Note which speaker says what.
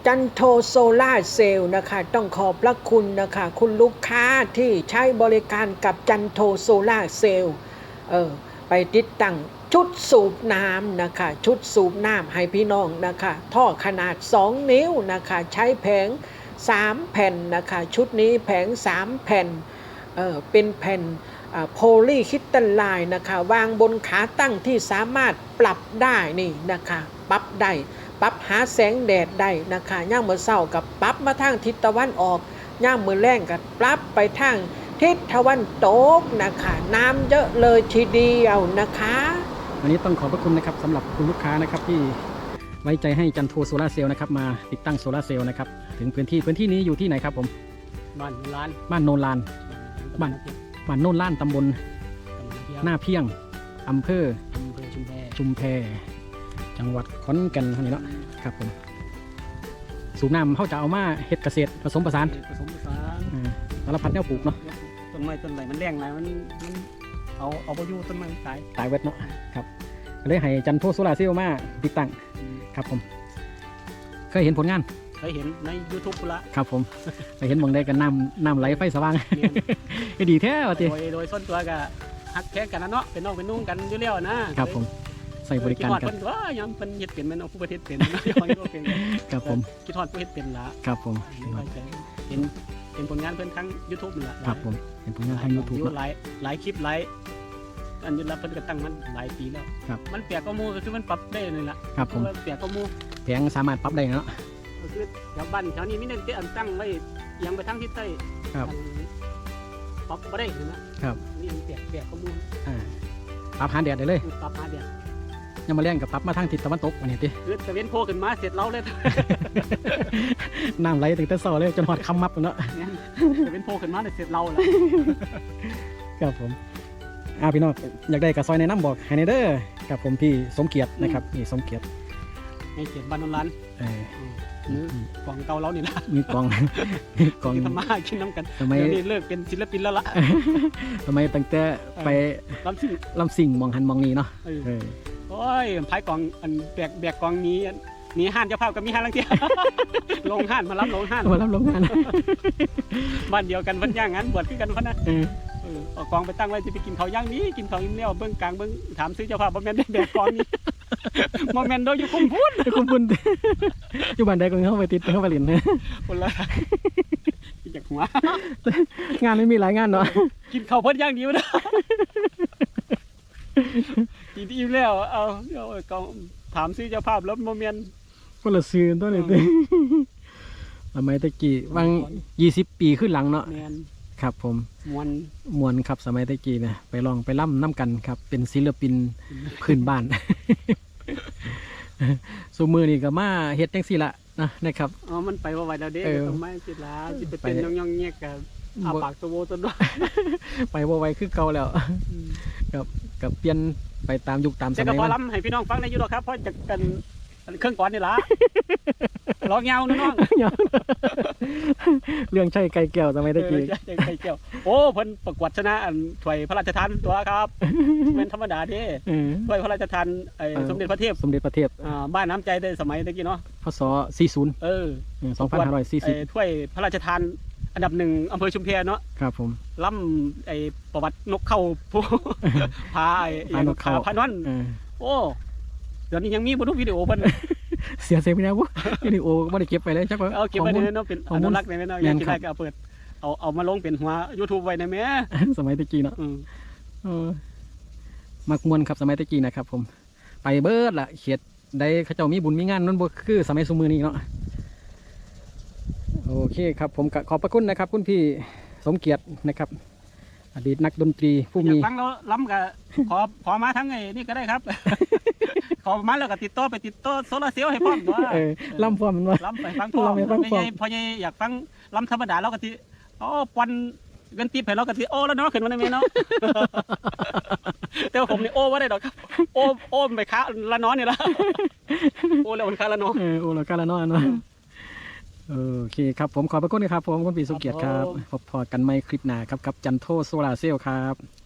Speaker 1: จันโทโซล่าเซลล์นะคะต้องขอบพระคุณนะคะคุณลูกค้าที่ใช้บริการกับจันโทโซล่าเซลล์ไปติดตั้งชุดสูบน้ำนะคะชุดสูบน้ำให้พี่น้องนะคะท่อขนาด2 นิ้วนะคะใช้แผง3 แผ่นนะคะชุดนี้แผง3 แผ่นเป็นแผ่นโพลีคริสตัลไลน์นะคะวางบนขาตั้งที่สามารถปรับได้นี่นะคะปรับได้ปรับหาแสงแดดได้นะคะย่ามมื้อเช้ากับปรับมาทางทิศตะวันออกย่ามมื้อแลงกับปรับไปทางทิศตะวันตกนะคะน้ำเยอะเลยทีเดียวนะคะ
Speaker 2: วันนี้ต้องขอบพระคุณนะครับสำหรับคุณลูกค้านะครับที่ไว้ใจให้จันโทโซล่าเซลล์นะครับมาติดตั้งโซล่าเซลล์นะครับถึงพื้นที่นี้อยู่ที่ไหนครับผม
Speaker 3: บ้านโนนลาน
Speaker 2: บ้านโนนลานตำบลหน้าเพียงอำเภอชุมแพจังหวัดขอนแก่นเท่านี้เนาะครับผมสูบน้ำเขาจะเอามาเฮ็ดเกษตรผสมผสานสารพัดแนวปลูกเนาะ
Speaker 3: ต้นไม้ต้นไหลมันแรงไหลมันเอาไปอยู่ต้นไม้
Speaker 2: ตายเวทเนาะครับก็เลยให้จันโทโซล่าเซลล์มาติดตั้งครับผมเคยเห็นผลงาน
Speaker 3: เคยเห็นใน YouTube ละ
Speaker 2: ครับผมไปเห็นมองได้กันน้ำไหลไฟสว่างก็ดีแท้ว่ะที
Speaker 3: โดยส่วนตัวก็ฮักแท้กันนะเนาะเป็นน้องเป็นนุ่งกันอยู่แล้วนะครับ
Speaker 2: ผมใส่บริการกัน
Speaker 3: ว่ายังเป็นเฮ็ดเป็นแม่นเอาผู้ประเทศเป็นเนาะ
Speaker 2: ครับผม
Speaker 3: คิดฮอดผู้เฮ็ดเป็นละ
Speaker 2: ครับผม
Speaker 3: เห็นผลงานเพิ่นทั้ง YouTube นี่ละ
Speaker 2: ครับผมเห็นผลงานทาง YouTube
Speaker 3: หลายคลิปหลายอันนี้รับเพิ่นก็ตั้งมันหลายปีแล้วมันเปียกก็มูก็คือมันปรับได้นี่ล่ะ
Speaker 2: ครับผม
Speaker 3: เปียกก็มู
Speaker 2: แผงสามารถปรับได้เนาะ
Speaker 3: ก็คือแถวบ้านแถวนี้มีเน้นอันตั้งไว้ยังไปทางทิศใต้
Speaker 2: ครับ
Speaker 3: ปรับบ่ได้นะครับนี่มันเปียกก็มู
Speaker 2: ปรับหาแดดได้เลย
Speaker 3: ปรับหาแดด
Speaker 2: ยังมาเลี้ยงกับปรับมาทางทิศตะวันตกวันนี้ติ
Speaker 3: คือตะเวนโผล่ขึ้นมาเสร็จเราเลย
Speaker 2: น้ำไหลตั้งแต่เช้าเลยจนหอดค่ำมับเนาะ
Speaker 3: ตะเวนโผล่ขึ้นมาเสร็จเราแล้ว
Speaker 2: ครับผมพี่น้องอยากได้กระซอยในน้ำบอกไฮเนเดอร์กับผมพี่สมเกียรตินะครับนี่สมเกียรติ
Speaker 3: ให้เกียรติบ้านนนท์ร้านกองเก่าเรานี่นะ
Speaker 2: มีกอง
Speaker 3: ทำมากินน้ำกันทำไมนี่เลิกเป็นศิลปินแล้วล่ะ
Speaker 2: ทำไมตั้งแต่ไปลำสิ่งมองหันมองนี้เนาะ
Speaker 3: โอ้ยพายกองอันแบกกองนี้ห้านเจ้าภาพกับมีห้านลังเทียลงห้านมารับลงห้านบ้านเดียวกันเพิ่นย่างงั้นบวชขึ้นกันเพิ่นนะเอากองไปตั้งไว้จะไปกินเขาย่างนี้กินเขาอิ่มแล้วเบื้องกลางเบื้องถามซื้อเจ้าภาพบ่แม่นได้แบกกองนี้บ่แม่นโดยอยู่คุมพุ่น
Speaker 2: อยู่บ้านใดก็เข้าไปติดเข้าไปเล่นนะ
Speaker 3: คนละจากหัว
Speaker 2: งานไม่มีหลายงานเนาะ
Speaker 3: กินเขาเพิ่นย่างเดียวนะกินอิ่มแล้วเอากองถามซื้อเจ้าภาพแล้วบ่แม่น
Speaker 2: คนละซื้อตัวนี้สมัยตะกี้วาง20 ปีขึ้นหลังเนาะครับผมมวนครับสมัยตะกี้นะไปลองไปล่ำน้ำกันครับเป็นศิลปินพื้นบ้านสูมือนี่ก็มาเฮ็ดจังซี่ละนะครับ
Speaker 3: มันไปว่าไหวแล้วเด้ต้องไม่จิตละจิตไปเป็นย่องๆเงี้ยกับอาปากตัวโวตัวด้วย
Speaker 2: ไปว่าไหวคือเก่าแล้วกับเปลี่ยนไปตามยุคตามสมัย
Speaker 3: ก็พอล้ำให้พี่น้องฟังในยุโรปครับเพราะจะกันเครื่องก่อนนี่ละร้องเงาน้อง
Speaker 2: เรื่องใช่ไก่แก้วสมัยตะกี้
Speaker 3: ไก่แก้วโอ้เพิ่นประกวดชนะอันถ้วยพระราชทานตัวครับเป็นธรรมดาดิถ้วยพระราชทานสมเด็จพระเทพบ้านน้ำใจได้สมัยตะกี้เนาะ
Speaker 2: พศ402540
Speaker 3: ถ้วยพระราชทานอันดับ1อำเภอชุมแพเนาะ
Speaker 2: ครับผม
Speaker 3: ล่ำประวัตินกเข้าผู้พา
Speaker 2: นกเข้า
Speaker 3: พานวันโอ้เดี๋ยวนี้ยังมีบนทุกวิดีโอเพิ่น
Speaker 2: เสียไปแล้ววิดีโอไม่ได้เก็บไปเลยจักว่า
Speaker 3: เก็บไว้ในนั้นเป็นอนุรักษ์ในนั้นยังได้ก็เอาเปิดเอามาลงเป็นหัว YouTube ไว้ในแม่
Speaker 2: สมัยตะกี้เนาะมักมวนครับสมัยตะกี้นะครับผมไปเบิดละเขียดได้เขาเจ้ามีบุญมีงานนั่นบ่คือสมัยสมือนี้เนาะโอเคครับผมขอบพระคุณนะครับคุณพี่สมเกียรตินะครับอดีตนักดนตรีผู้มี
Speaker 3: ฟังแล้วล้ำกับขอมาทั้งไงนี่ก็ได้ครับขอมาแล้วก็ติดต่อโซลาเซลล์ให้พร้อมว่า
Speaker 2: ล้ำพร้อมมันว่า
Speaker 3: ล้ำไปฟังพร้อมพออยากฟังล้ำธรรมดาเราก็ติปอนเงินตีให้เราก็ติแล้วเนาะขึ้นมาในเมนเนาะแต่ผมนี่ว่าได้ดอกครับโอไปค้าละน้อยนี่ละแล้วมันค้าละน้อย
Speaker 2: แล้วค้าละน้อยเนาะโอเคครับผมขอบพระคุณครับผมคุณพี่สุเกียรติครับพบกันใหม่คลิปหน้าครับกับจันโทโซลาเซลล์ครับ